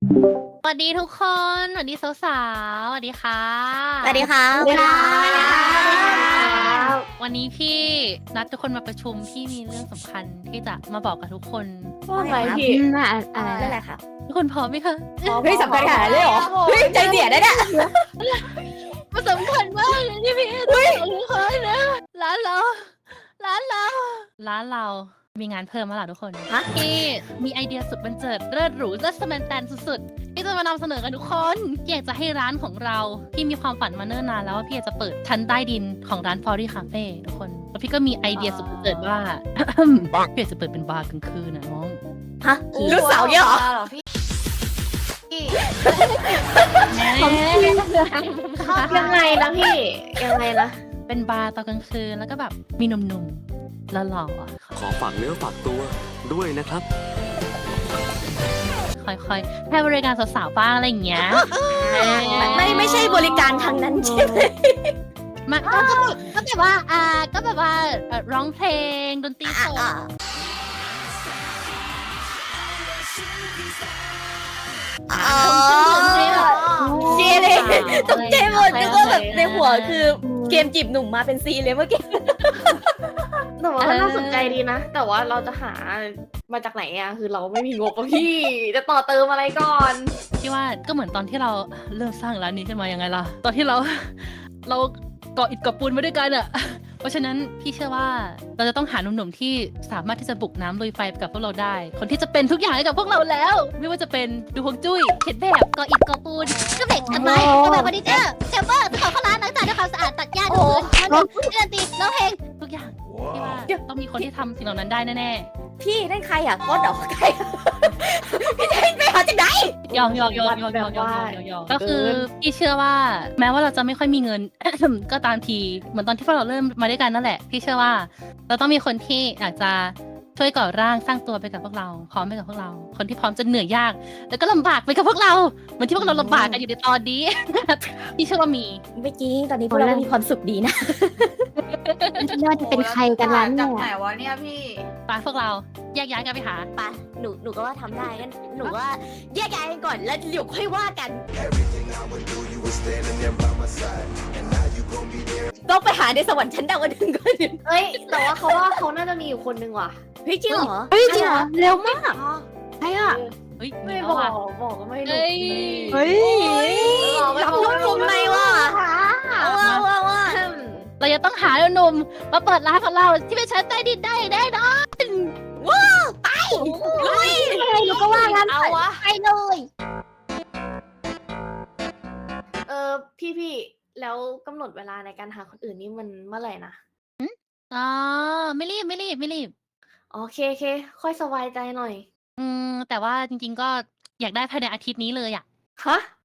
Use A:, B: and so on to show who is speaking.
A: สวัสดีทุกคน สวัสดีสาวๆ สวัสดีค่ะ
B: สวัสดีครับ
C: สวัสดีครับ
A: วันนี้พี่นัดทุกคนมาประชุมพี่มีเรื่องสำคัญที่จะมาบอกกับทุกคน
C: ว่าไงพี่
B: อะไรนั่นแหละครับ
A: ทุกคนพร้อมไหมคะ
B: เฮ้ยสำคัญขนาดนั้นเลยเหรอเฮ้ยใจเสียได้เนี่ย
A: มันสำคัญมากเลยที่พี่จะบอกทุกคนนะร้านเรามีงานเพิ่มมาแล้วทุกคน
B: ฮะ
A: พี่มีไอเดียสุดบันเจิดเลิศหรูเลิศสแมนแตนสุดๆที่จะมานำเสนอกันทุกคนอยากจะให้ร้านของเราพี่มีความฝันมาเนิ่นนานแล้วว่าพี่อยากจะเปิดชั้นใต้ดินของร้าน Fairy Cafe ทุกคนแล้วพี่ก็มีไอเดียสุดบันเจิดว่า พี่อยากจะเปิดเป็นบาร์กลางคืนนะน้อง
B: ฮะลูกสาวเนี่ยเหรอ
C: ยังไงนะพี่ ยังไงนะ
A: เป็นบาร์ตอนกลางคืนแล้วก็แบบมีหนุ่มๆหล่อๆอะ
D: ขอฝากเนื้อฝากตัวด้วยนะครับ
A: ค่อยๆให้บริการสาวๆบ้างอะไรอย่างเงี้ย
B: ไม่ใช่บริการทางนั้นใช่ไหม
A: มันก็แบบว่าร้องเพลงดนตรีสด
B: อ๋อเชียร์เลยตกใจหมดนึกว่าแบบในหัวคือเกมจีบหนุ่มมาเป็นซีเลยเมื่อกี้
C: แต่ว่าก็น่าสนใจดีนะ แต่ว่าเราจะหามาจากไหนอะคือเราไม่มีงบอะพี่ จะต่อเติมอะไรก่อน
A: พี่ว่าก็เหมือนตอนที่เราเริ่มสร้างร้านนี้ขึ้นมายังไงล่ะ ตอนที่เราก่ออิฐก่อปูนมาด้วยกันอะ เพราะฉะนั้นพี่เชื่อว่าเราจะต้องหาหนุ่มๆที่สามารถที่จะบุกน้ำลุยไฟไปกับพวกเราได้ คนที่จะเป็นทุกอย่างให้กับพวกเราแล้ว ไม่ว่าจะเป็นดูฮวงจุ้ยเขียนแบบก่ออิฐก่อปูนก็เบรกต้นไม้ก็แบบเฟอร์นิเจอร์เซลเวอร์จะขอเข้าร้านล้างจานด้วยความสะอาดตัดหญ้าดูพื้นเล่นดนตรีร้องเพลงทุกอย่างพี่ว่าต้องมีคนที่ทำสิ่งเหล่านั้นได้แน่ๆ
B: พี่นั่นใครอ่ะก็ดอกใครพี่จะให้ไปหาจากไหน
A: ยองก็คือพี่เชื่อว่าแม้ว่าเราจะไม่ค่อยมีเงิน ก็ตามทีเหมือนตอนที่พวกเราเริ่มมาด้วยกันนั่นแหละพี่เชื่อว่าเราต้องมีคนที่อยากจะช่วยก่อร่างสร้างตัวไปกับพวกเราพร้อมไปกับพวกเรา คนที่พร้อมจะเหนื่อยยาก แล้วก็ลำบากไปกับพวกเราเหมือนที่พวกเราลำบากกันอยู่ในตอนนี้ พี่เชื่อว่ามี
B: ไม่จริงตอนนี้พวกเรามีความสุขดีนะ
E: ไม่ว่าจะเป็นใครกันนั้น
F: จา
E: เนี่
F: กไหน
E: ยว
F: ะเนี่ยพี่
A: ไปพวกเราแยกย้ายกันไปหา
B: ไปหนูก็ว่าทำได้งั้นหนูว่าแยกย้ายกันก่อนแล้วเดี๋ยวค่อยว่ากันต้องไปหาในสวรรค์ชั้นดาวดึงส์ก่อน
C: เอ้ย แต่ว่าเขาว่าเขาน่าจะมีอยู่คนนึงว่ะ
B: เฮ้ยจริงเหรอ
E: เฮ้ยจริงเหรอเร็วมาก
C: อ๋อ
E: ใช่อ่ะ
A: เฮ้ย
C: ไม่
A: เอา
C: บอก
A: ว่ะ
C: บอกก็ไม่รู้
A: เอ้ย
E: เฮ้ย
B: รับนุ่มมุมในว่ะว่า
A: เราจะต้องหาหนุ่มๆมาเปิดร้านของเราที่เป็นชั้นใต้ดินได้แน่นอน
B: ลุย
E: หนูก็ว่างั้น
C: เอาวะ
E: ไปเลย
C: พี่แล้วกำหนดเวลาในการหาคนอื่นนี่มันเมื่อไหร่นะ
A: อ๋อไม่รีบ
C: โอเคค่อยสบายใจหน่อย
A: แต่ว่าจริงๆก็อยากได้ภายในอาทิตย์นี้เลยอ่ะ
C: ฮะ